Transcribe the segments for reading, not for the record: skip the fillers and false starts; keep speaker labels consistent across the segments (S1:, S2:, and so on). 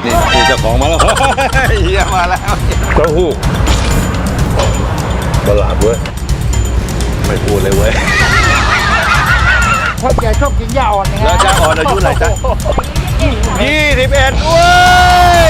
S1: นี่เจ้าของมาแล้วเฮียมาแล้วเต้าหู้ตลาดเว้ยไม่พูดเลยเว้ย
S2: พ่อแกชอบกินหญ้าอ่อนนะ
S1: แล้วจ้าอ่อนอายุไหนจ๊ะ21เว้ย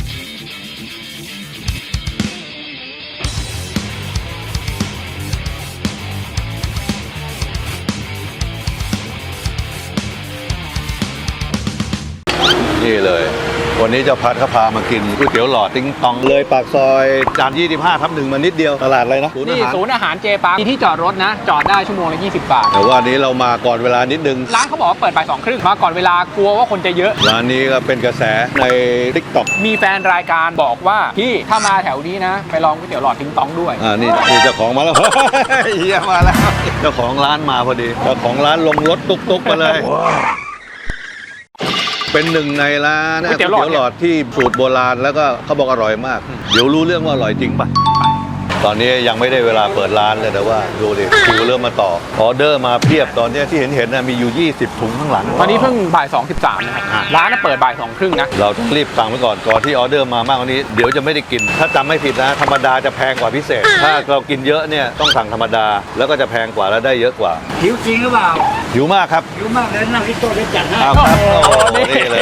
S1: นี่เลยวันนี้เจ้าพัดเขาพามากินก๋วยเตี๋ยวหลอดติ้งตองเลยปากซอยจาน25/1มานิดเดียวตลาดอะไรนะ
S3: นี่ศูนย์อาหารเจปาร์คมีที่จอดรถนะ จอดได้ชั่วโมงละ20 บาท
S1: แต่ว่านี้เรามาก่อนเวลานิดนึง
S3: ร้านเขาบอกว่าเปิดบ่าย2 ครึ่งมาก่อนเวลากลัวว่าคนจะเยอะ
S1: ร้านนี้ก็เป็นกระแสใน TikTok
S3: มีแฟนรายการบอกว่าพี่ถ้ามาแถวนี้นะ ไปลองก๋วยเตี๋ยวหลอดทิ้งต้องด้วย
S1: นี่เจ้าของมาแล้ว เฮียมาแล้วเจ้าของร้านมาพอดีเจ้าของร้านลงรถตุ๊กๆมาเลยเป็นหนึ่งในร้านก๋วยเตี๋ยวหลอดที่สูตรโบราณแล้วก็เขาบอกอร่อยมาก เดี๋ยวรู้เรื่องว่าอร่อยจริงป่ะตอนนี้ยังไม่ได้เวลาเปิดร้านเลยแต่ว่าดูดิคิวเริ่มมาต่อออเดอร์มาเพียบตอนนี้ที่เห็นนะมีอยู่20 ถุงข้างหลัง
S3: ตอนนี้เพิ่งบ่าย2:13นะครับร้านน่ะเปิดบ่าย2 ครึ่งนะ
S1: เราต้องรีบสั่งไว้ก่อนที่ออเดอร์มามากกว่านี้เดี๋ยวจะไม่ได้กินถ้าจำไม่ผิดนะธรรมดาจะแพงกว่าพิเศษ ถ้าเรากินเยอะเนี่ยต้องสั่งธรรมดาแล้วก็จะแพงกว่าและได้เยอะกว่า
S2: หิวจริงหรือเปล่า
S1: หิวมากครับ
S2: หิวมากเลยนั่งที่โต๊ะได้จัดให้
S1: ครับโอ้โหนี่เลย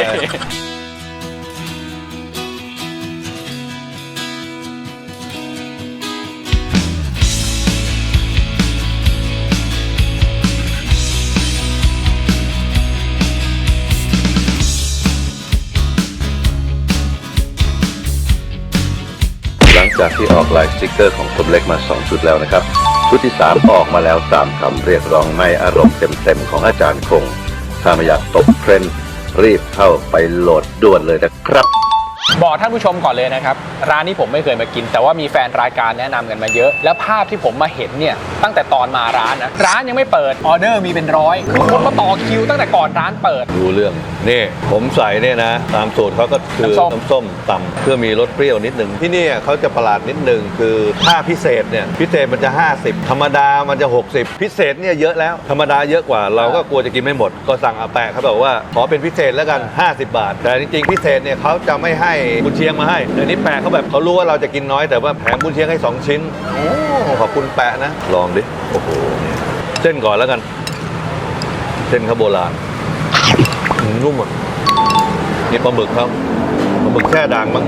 S1: หลังจากที่ออกลายสติ๊กเกอร์ของผมเล็กมา2 ชุดแล้วนะครับชุดที่3ออกมาแล้วตามคำเรียกร้องไม่อารมณ์เต็มๆของอาจารย์คงถ้าไม่อยากตกเทรนด์รีบเข้าไปโหลดด่วนเลยนะครับ
S3: บอกท่านผู้ชมก่อนเลยนะครับร้านนี้ผมไม่เคยมากิน แต่ว่ามีแฟนรายการแนะนำกันมาเยอะ แล้วภาพที่ผมมาเห็นเนี่ยตั้งแต่ตอนมาร้านนะร้านยังไม่เปิดออเดอร์มีเป็นร้อยคือคนมาต่อคิวตั้งแต่ก่อนร้านเปิด
S1: ดูเรื่องนี่ผมใส่เนี่ยนะตามสูตรเขาก็คือ
S3: น้ำส้ม
S1: น้ำส้มตำเพื่อมีรสเปรี้ยวนิดหนึ่งที่นี่เขาจะประหลาดนิดหนึ่งคือถ้าพิเศษเนี่ยพิเศษมันจะ50ธรรมดามันจะ60พิเศษเนี่ยเยอะแล้วธรรมดาเยอะกว่าเราก็กลัวจะกินไม่หมดก็สั่งอาแปะเขาบอกว่าขอเป็นพิเศษแล้วกัน50 บาทแต่จริงๆพิเศษเนี่ยเขาจะไม่ให้กุนเชียงมาให้แต่นี่แปะเขาแบบเขารู้ว่าเราจะกินน้อยแต่ว่าแถมกุนเชียงให้2 ชิ้นโอ้ขอบคุณแปะนะลองดิโอ้โหเส้นก่อนแล้วกันเส้นเขาโบราณนุ่มอ่ะนี่ปลาหมึกครับปลาหมึกแช่ด่างมั้ง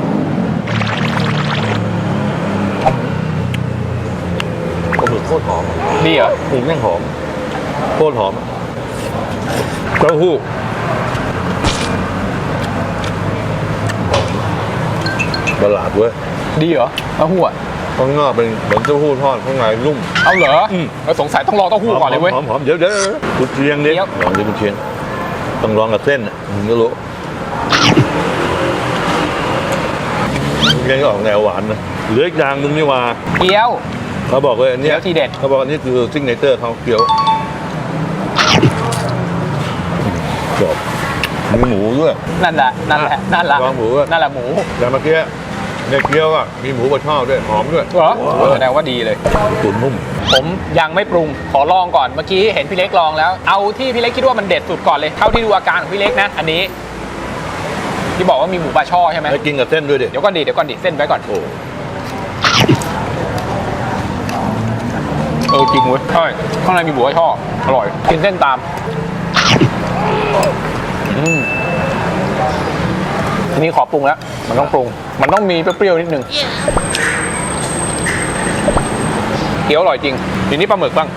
S1: ปลาหมึกโคตรหอม
S3: ดีเหรอ
S1: หมูแม่งหอมโคตรหอมเต้าหู้ตลาดเว้ย
S3: ดีเหรอเต้าหู้อะ
S1: ข้างนอกเป็นเหมือนเต้าหู้ทอดข้างในนุ่ม
S3: เอาเหรอเราสงสัยต้องรอเต้าหู้ก่อนเลยเว้ย
S1: หอมเดี๋ยวกุนเชียงดิ
S3: เดี๋ยว
S1: ลองดิกุนเชียงต้องลองกับเส้นมึงก็รู้กุนเชียงก็ออกแนวหวานนะเหลืออีกอย่างหนึงนี่ว่า
S3: เกี๊ยว
S1: เขาบอกว่าอันเนี้ย
S3: เกี๊ยวทีเด็ด
S1: เขาบอกอันนี้คือซิกเนเจอร์เขาเกี๊ยวจบมีหมูด้วย
S3: นั่นแหละ
S1: วางหมูด้วย
S3: นั่นแหละหมู
S1: แต่เมื่อกี้ในเกี๊ยวอ่ะมีหมูบดช่อด้วยหอมด้วย
S3: เหรอแสดงว่าดีเลย
S1: ตุ๋นนุ่ม
S3: ผมยังไม่ปรุงขอลองก่อนเมื่อกี้เห็นพี่เล็กลองแล้วเอาที่พี่เล็กคิดว่ามันเด็ดสุดก่อนเลยเท่าที่ดูอาการของพี่เล็กนะอันนี้ที่บอกว่ามีหมูปลาช่อใช่ไหม
S1: แล้วกินกับเส้นด้วยดิ
S3: เดี๋ยวก่อนดิเส้นไว้ก่อน
S1: โอ้
S3: จริงเว้ยใช่ข้างในมีหมูปลาช่ออร่อยกินเส้นตามทีนี้ขอปรุงแล้วมันต้องปรุงมันต้องมีเปรี้ยวๆนิดนึงเกี๊ยวอร่อยจริงทีนี้ปลาหมึกบ้าง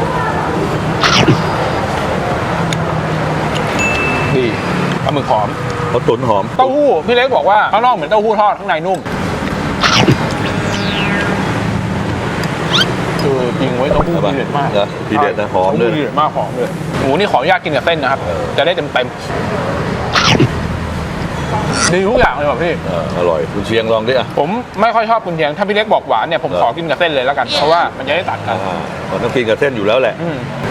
S3: ดีปลาหมึกหอม
S1: เขาตุ๋นหอม
S3: เต้าหู้พี่เล็กบอกว่าข้างนอกเหมือนเต้าหู้ทอดข้างในนุ่มจริงไว้เต้าหู้ดีเด็ดมาก
S1: นะทีเด็ดนะหอมเลย
S3: ดีเด็ดมากหอมเลยหมูนี่ขออนุญาตกินกับเส้นนะครับจะได้เต็มดีทุกอย่างเลยว่ะพี่
S1: อร่อยคุณเชียงลองดิอ่ะ
S3: ผมไม่ค่อยชอบกุนเชียงถ้าพี่เล็กบอกหวานเนี่ยผมขอกินกับเส้นเลยแล้วกันเพราะว่ามันจะได้ตัดกัน
S1: มันต้องกินกับเส้นอยู่แล้วแหละ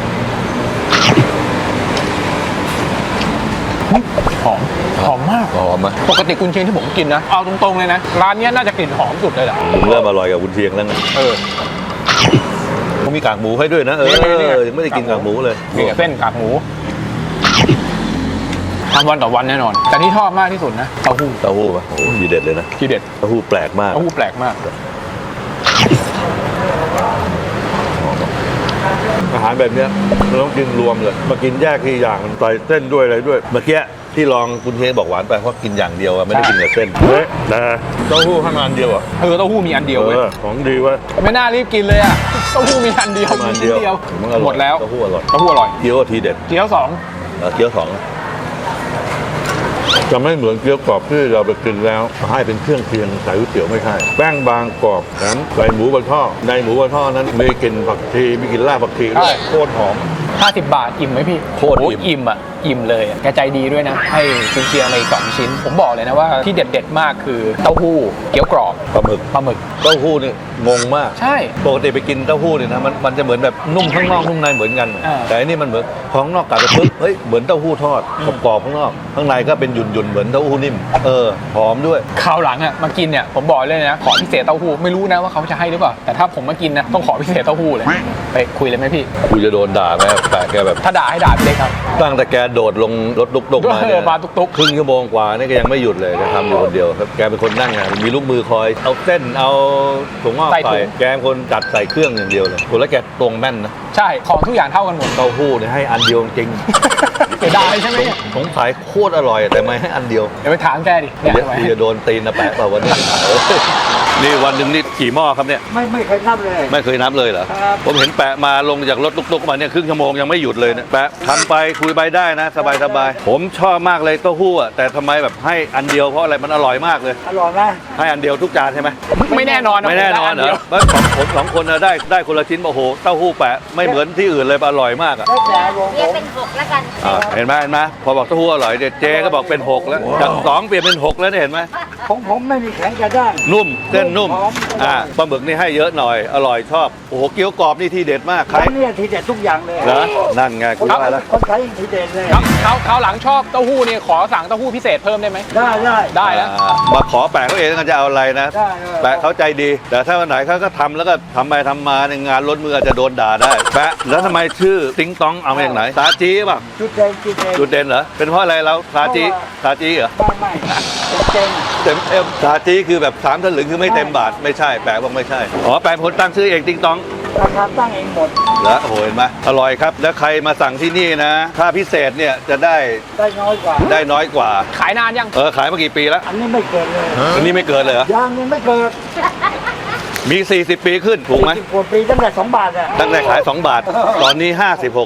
S3: หอมมาก
S1: หอมอ่ะ
S3: ปกติกุนเชียงที่ผมกินนะเอาตรงๆเลยนะร้านเนี้ยน่าจะกลิ่นหอมสุดเลยแหละ
S1: มึงเริ่มอร่อยกับคุณเชียงแล้วนะเขามีกากหมูให้ด้วยนะยังไม่ได้กินกากหมูเลย
S3: กินกับเส้นกากหมูทำวันต่อวันแน่นอน แต่ที่ชอบมากที่สุดนะเต้าหู้
S1: เต้าหู้ป่ะโอ้โหทีเด็ดเลยนะ
S3: ที่เด็ด
S1: เต้าหู้แปลกมาก
S3: เต้าหู้แปลกมาก
S1: อาหารแบบเนี้ยเราต้องกินรวมเลยมากินแยกทีอย่างมันใส่เส้นด้วยอะไรด้วยเมื่อกี้ที่ลองคุณเฮบอกหวานไปเพราะกินอย่างเดียวอะไม่ได้กินกับเส้นเฮ้ยนะเต้าหู้ข้างอันเดียวอ่ะ
S3: เต้าหู้มีอันเดียวเว้ย
S1: ของดีเว้ย
S3: ไม่น่ารีบกินเลยอ่ะเต้าหู้มีอันเดียว
S1: อัน
S3: มี
S1: เดียว
S3: ชิ้นเดียว
S1: มันอร่อย
S3: หมดแล้ว
S1: เต้าหู้อร่อย
S3: เต้าหู้อร่อย
S1: เกี๊ยวทีเด็ด
S3: เกี๊ยวสอง
S1: เกี๊ยวสองจะไม่เหมือนเกี๊ยวกรอบที่เราไปกินแล้วให้เป็นเครื่องเคียงใส่ก๋วยเตี๋ยวไม่ใช่แป้งบางกรอบแถมใส่หมูบนท่อในหมูบนท่อนั้นมีกลิ่นผักชีมีกลิ่นรากผักชีด้วยโคตรหอม
S3: 50 บาทอิ่มไหมพี่
S1: โคตรอิ่ม
S3: โอิ่มอ่ะอิ่มเลยอะแกใจดีด้วยนะ ให้กุนเชียงมาอีก2ชิ้น ผมบอกเลยนะว่าที่เด็ดๆมากคือเต้าหู้เกี๊ยวกรอบ
S1: ปลาหมึก
S3: ปลาหมึก
S1: เต้าหู้นี่งงมาก
S3: ใช่
S1: ปกติไปกินเต้าหู้เนี่ยนะมันจะเหมือนแบบนุ่มข้างนอกนุ่มในเหมือนกัน แต่อันนี้มันเหมือนของนอกกัดไปปุ๊บเฮ้ยเหมือนเต้าหู้ทอดกรอบๆข้างนอกข้างในก็เป็นหยุ่นๆเหมือนเต้าหู้นิ่มหอมด้วย
S3: คราวหลังอ่ะมากินเนี่ยผมบอกเลยนะขอพิเศษเต้าหู้ไม่รู้นะว่าเขาจะให้หรือเปล่าแต่ถ้าผมมากินนะต้องขอพิเศษเต้าหู้เลยไปคุยเลยไหมพี่
S1: กูจะโดนด่าไหมแต่แกแบบ
S3: ถ้าด่าให้ด่าพี่เล็กครับ
S1: ตั้งแต่แกโดดลงรถลุกๆมาเนี่ย
S3: มาตุกๆ
S1: ครึ่งชั่วโมงกว่านี่ก็ยังไม่หยุดเลยแกทำอยู่คนเดียวครับแกเป็นคนนั่งงานมีลูกมือคอยเอาเส้นเอาถั่วงอก
S3: ใส่ถุ
S1: ใส่
S3: ง
S1: แกเป็นคนจัดใส่เครื่องอย่างเดียวเลยโหแล้วแกตรงแม่นนะ
S3: ใช่ของทุกอย่างเท่ากันหมด
S1: เต้าหู้เนี่ยให้อันเดียวจริง
S3: เสียดายใช่ไหมเนี่ย
S1: สงสัยโคตรอร่อยแต่ไม่ให้อันเดียว
S3: เดี๋ยวไปถามแกดิเนี่ย
S1: เดี๋ยว
S3: ทำไม
S1: จะโดนตีนนะแปะเปล่าวันนี้ นี่วันหนึ่งนี่กี่หม้อครับเนี่ย
S2: ไม่เคยนับเลย
S1: ไม่เคยนับเลยเหรอ
S2: ครับ
S1: ผมเห็นแปะมาลงจากรถตุกๆมาเนี่ยครึ่งชั่วโมงยังไม่หยุดเลยนะแปะทำไปคุยไปได้นะ สบายๆผมชอบมากเลยเต้าหู้อะแต่ทำไมแบบให้อันเดียวเพราะอะไรมันอร่อยมากเลย
S2: อร่อยไหม
S1: ให้อันเดียวทุกจานใช่ไหม
S3: ไม่แน่นอน
S1: ไม่แน่นอนเหรอแล้วของผมสองคนน่ะได้คนละชิ้นโอ้โหเต้าหู้แปะไม่เหมือนที่อื่นเลยอร่อยมากอ่ะ
S2: แล้วแต่วงผ
S4: เรียก
S2: ม
S4: เป็น6แล้วกัน
S1: เห็นไหมพอบอกเต้าหู้อร่อยเดี๋ยวเจก็บอกเป็น6แล้วจาก2เปลี่ยนเป็น6แล้วเนี่ยเห็นไหม
S2: ของผมไม่มีแข็งกระด้าง
S1: นุ่มเส้นนุ่ม
S2: หอม
S1: ปลาหมึกนี่ให้เยอะหน่อยอร่อยชอบโอ้โหเกี๊ยวกรอบนี่ทีเด็ดมากใคร
S2: ร้านเนี่ยทีเด็ดทุกอย่างเลย
S1: เหรอนั่นไงคุณว่าแล้ว
S2: คนไทยทีเด็ดเลย
S3: คราวหลังชอบเต้าหู้เนี่ยขอสั่งเต้าหู้พิเศษเพิ่มได้ไหม
S2: ได้
S3: แล้ว
S1: มาขอแปะเขาเองจะเอาอะไรนะ
S2: ได้
S1: แปะเขาใจดี แต่ถ้าวันไหนเขาก็ทำแล้วก็ทำไปทำมาในยงานล้นมืออาจจะโดนด่าได้แปะแล้วทำไมชื่อติ๊งต้องเอามาจากไหนซาจีป่ะ
S2: จุดเด่นจุดเด่น
S1: จุดเด่นเหรอเป็นเพราะอะไรเราซาจีเหรอ
S2: ไม่เจ๋ง
S1: เต็มซาจีคือแบบ3 ถลึงคือไม่เต็มบาทไม่ใช่แปะบอกไม่ใช่อ๋อแปะเป็นคนตั้งชื่อเองติ๊งต้อง
S2: ราคาตั้งเองหมด
S1: แล้วโอ้โหเห็นไหมอร่อยครับแล้วใครมาสั่งที่นี่นะถ้าพิเศษเนี่ยจะได้
S2: ได้น้อยกว่า
S1: ได้น้อยกว่า
S3: ขายนานยัง
S1: ขายมากี่ปีแล้ว
S2: อันนี้ไม่เกินเลย
S1: อันนี้ไม่เกินเลยเหรอ
S2: ยางยังไม่เกิด
S1: มี 40 ปีขึ้นถูกไหม
S2: 40 กว่าปีตั้งแต่2 บาทอ่ะ
S1: ตั้งแต่ขาย 2 บาท ตอนนี้ 50
S2: ใช่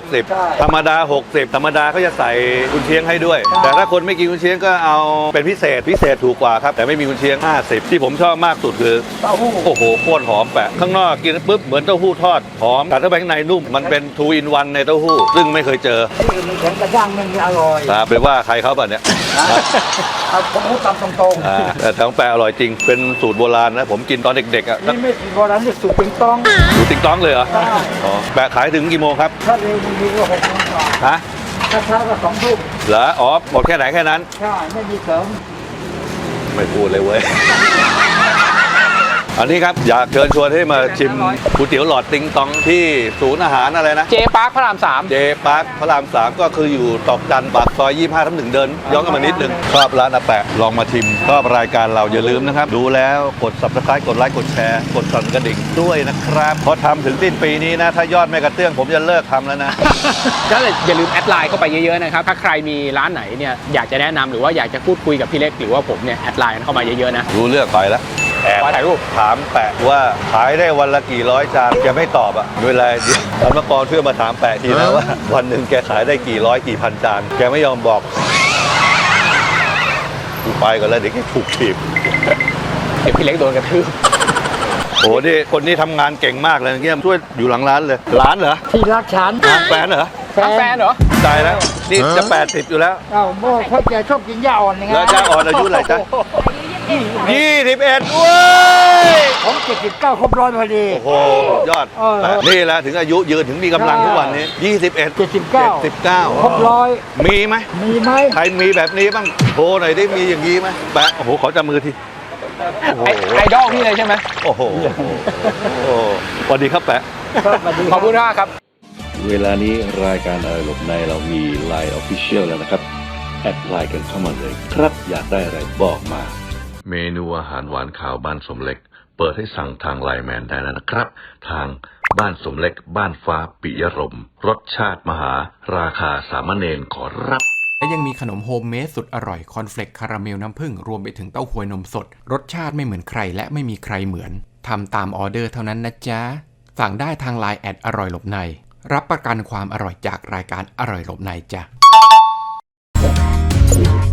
S1: 60 ธรรมดา 60 ธรรมดาเขาจะใส่กุนเชียงให้ด้วย แต่ถ้าคนไม่กินกุนเชียงก็เอาเป็นพิเศษถูกกว่าครับ แต่ไม่มีกุนเชียง 50 ที่ผมชอบมากสุดคือ
S2: เต้าหู้
S1: โอ้โหโคตรหอมแปะ ข้างนอกกินปุ๊บเหมือนเต้าหู้ทอด หอมแต่ถ้าไปข้างในนุ่ม มันเป็น 2 in 1 ในเต้าหู้ ซึ่งไม่เคยเจอ
S2: ที่อื่นมันแข็งกระด้างมันอร่อย
S1: ไปว่าใครเขาป่ะเนี่ย
S2: เอาผมพูดตามตรง
S1: แต่ทั้งแปะอร่อยจริง เป็นสูตรโบราณนะ ผมกินตอนเด็กๆอ่ะ
S2: ๆนี่ไม่ผิดโบราณนี่สูตรปิงตอง
S1: สูตรติ๊งต้องเลยเหรอ
S2: ใช่
S1: อ๋อแปะขายถึงกี่โมงครับ
S2: ถ้าเร็วดีๆก็6 โมงกว่า
S1: ฮะ
S2: ถ้าช้าก็2 ทุ่ม
S1: เหรออ๋อหมดแค่ไหนแค่นั้น
S2: ใช่ไม่มีเสริม
S1: ไม่พูดเลยเว้ย อันนี้ครับอยากเชิญชวนให้มาชิมก๋วยเตี๋ยวหลอดติงตองที่ศูนย์อาหารอะไรนะ
S3: เจปาร์คพระราม3
S1: เจปาร์คพระราม 3 ก็คืออยู่ตอกจันปากซอย 25/1 เดินย้อนกันมานิดนึงชอบร้านอาแปะลองมาชิมชอบรายการเราอย่าลืมนะครับ ดูแล้วกด subscribe กดไลค์กดแชร์กดสั่นกระดิ่งด้วยนะครับเพราะทำถึงสิ้นปีนี้นะ ถ้ายอดไม่กระเตื้องผมจะเลิกทำแล้วนะ
S3: ก็อย่าลืมแอดไลน์เข้าไปเยอะๆนะครับ ถ้าใครมีร้านไหนเนี่ยอยากจะแนะนำหรือว่าอยากจะพูดคุยกับพี่เล็กหรือว่าผมเนี่ยแอดไลน์เข้ามาเยอะๆนะ
S1: รู้เรื่องไปแล้วแอบ
S3: ขอถ่ายรูป
S1: ถามแปะว่าขายได้วันละกี่ร้อยจานแกไม่ตอบอ่ะเวลาเดี๋ยวธรรมกรเพื่อมาถามแปะทีนะว่า วันหนึ่งแกขายได้กี่ร้อยกี่พันจานแกไม่ยอมบอกกูไปก่อนแล้วเดี๋ยวแกถูกถีบ
S3: เดี๋ยวพี่เล็กโดนกระทืบ
S1: โอ้โหนี่คนนี้ทำงานเก่งมากเลยเงี้ยช่วยอยู่หลังร้านเลยร้านเหรอ
S2: ที่รักฉัน
S1: แฟนเหรอ
S3: แฟนเหรอ
S1: ตายแล้วนี่จะ80อยู่แล้ว
S2: เอ้าโม่พ่อแกชอบกินหญ้าอ่อนยังไง
S1: แล้วจ้าอ่อนอายุเท่าไหร่จ๊ะ21เว้ย
S2: ผม79 ครบ100พอดี
S1: โอ้โหยอด
S2: เออ
S1: นี่แหละถึงอายุยืนถึงมีกำลังทุกวันนี้21 79
S2: ครบ100
S1: มีไหม
S2: มีไหม
S1: ใครมีแบบนี้บ้างโทรหน่อยได้มีอย่างนี้ไหมแปะโอ้โหขอจับมือทีโอ้โห
S3: ไอดอลพี่เลยใช่ไหม
S1: โอ้โหโอ้โหสวัสดีครับแปะ
S2: ครับสวัสดี
S3: ขอบคุณมากครับ
S1: เวลานี้รายการอะไรหลบในเรามี Line Official แล้วนะครับแอดไลน์กันเข้ามาเลยครับอยากได้อะไรบอกมา เมนูอาหารหวานข่าวบ้านสมเล็กเปิดให้สั่งทางไลน์แมนได้แล้วนะครับทางบ้านสมเล็กบ้านฟ้าปิยรมรสชาติมหาราคาสามเณรขอรับ
S4: และยังมีขนมโฮมเมดสุดอร่อยคอนเฟลกคาราเมลน้ำผึ้งรวมไปถึงเต้าหวยนมสดรสชาติไม่เหมือนใครและไม่มีใครเหมือนทำตามออเดอร์เท่านั้นนะจ๊ะสั่งได้ทางไลน์แอดอร่อยหลบในรับประกันความอร่อยจากรายการอร่อยหลบในจ้ะ